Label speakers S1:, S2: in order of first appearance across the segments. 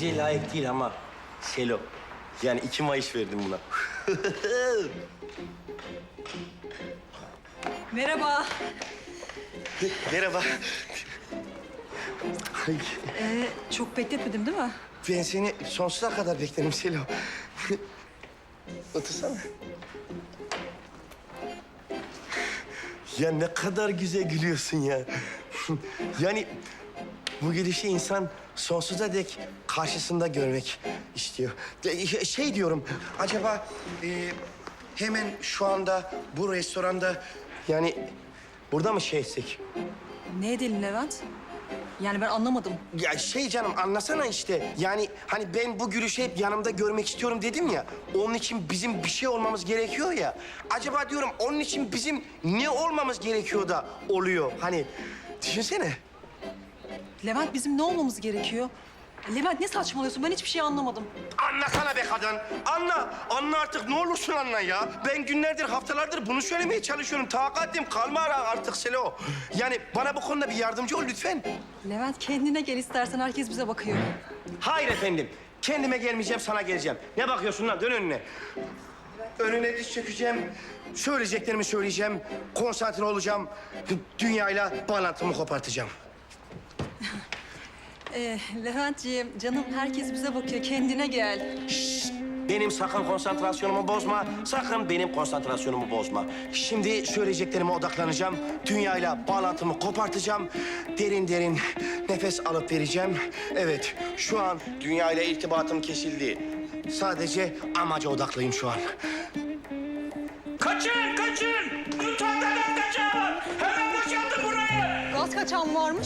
S1: bize layık değil ama Selo. Yani 2 Mayıs verdim buna.
S2: Merhaba.
S1: Merhaba. Ay,
S2: Çok bekletmedim değil mi?
S1: ben seni sonsuza kadar beklerim Selo. Otursana. Ya ne kadar güzel gülüyorsun ya. Yani bu gülüşü insan sonsuza dek karşısında görmek istiyor. Şey diyorum, acaba hemen şu anda bu restoranda yani burada mı şey etsek?
S2: Ne edelim Levent? Yani ben anlamadım.
S1: Ya şey canım anlasana işte. Yani hani ben bu gülüşü hep yanımda görmek istiyorum dedim ya. Onun için bizim bir şey olmamız gerekiyor ya. Acaba diyorum onun için bizim ne olmamız gerekiyor da oluyor? Hani düşünsene.
S2: Levent bizim ne olmamız gerekiyor? Levent ne saçmalıyorsun? Ben hiçbir şey anlamadım.
S1: Anlasana be kadın. Anla. Anla artık ne olursun anla ya. Ben günlerdir, haftalardır bunu söylemeye çalışıyorum. Takatim kalma artık Selo. Yani bana bu konuda bir yardımcı ol lütfen.
S2: Levent kendine gel istersen, herkes bize bakıyor.
S1: Hayır efendim. Kendime gelmeyeceğim, sana geleceğim. Ne bakıyorsun lan? Dön önüne. Önüne diz çökeceğim. Söyleyeceklerimi söyleyeceğim. Konsantre olacağım. Dünyayla bağlantımı kopartacağım.
S2: Leventciğim, canım herkes bize bakıyor. Kendine gel.
S1: Benim sakın konsantrasyonumu bozma. Sakın benim konsantrasyonumu bozma. Şimdi söyleyeceklerime odaklanacağım. Dünyayla bağlantımı kopartacağım. Derin derin nefes alıp vereceğim. Evet, şu an dünyayla irtibatım kesildi. Sadece amaca odaklıyım şu an.
S3: Kaçın, kaçın! Mutfakta gaz kaçağı var! Hemen boşaltın burayı!
S2: Gaz kaçan varmış.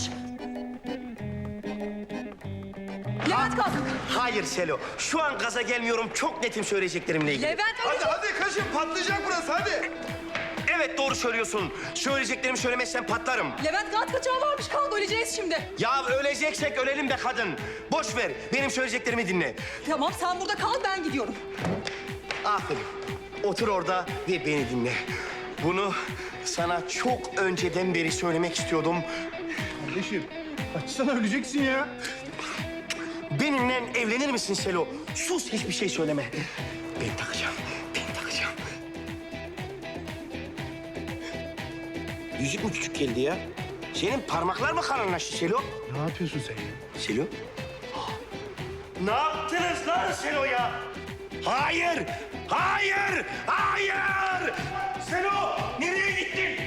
S2: Levent kalk.
S1: Hayır Selo, şu an gaza gelmiyorum. Çok netim söyleyeceklerimle ilgili.
S2: Levent
S4: Hadi hadi kaçın patlayacak burası hadi.
S1: Evet doğru söylüyorsun. Söyleyeceklerimi söylemezsen patlarım.
S2: Levent gaz kaçağı varmış. Kalk, öleceğiz şimdi.
S1: Ya öleceksek ölelim be kadın. Boş ver, benim söyleyeceklerimi dinle.
S2: Tamam sen burada kal, ben gidiyorum.
S1: Aferin. Otur orada ve beni dinle. Bunu sana çok önceden beri söylemek istiyordum.
S4: Kardeşim açsana öleceksin ya.
S1: Benimle evlenir misin Selo? Sus, hiçbir şey söyleme. Ben takacağım, ben takacağım. Yüzük mü küçük geldi ya? Senin parmaklar mı kalınlaştı Selo?
S4: Ne yapıyorsun sen ya?
S1: Selo? Ne yaptınız lan Selo ya? Hayır! Hayır! Hayır! Selo! Nereye gittin?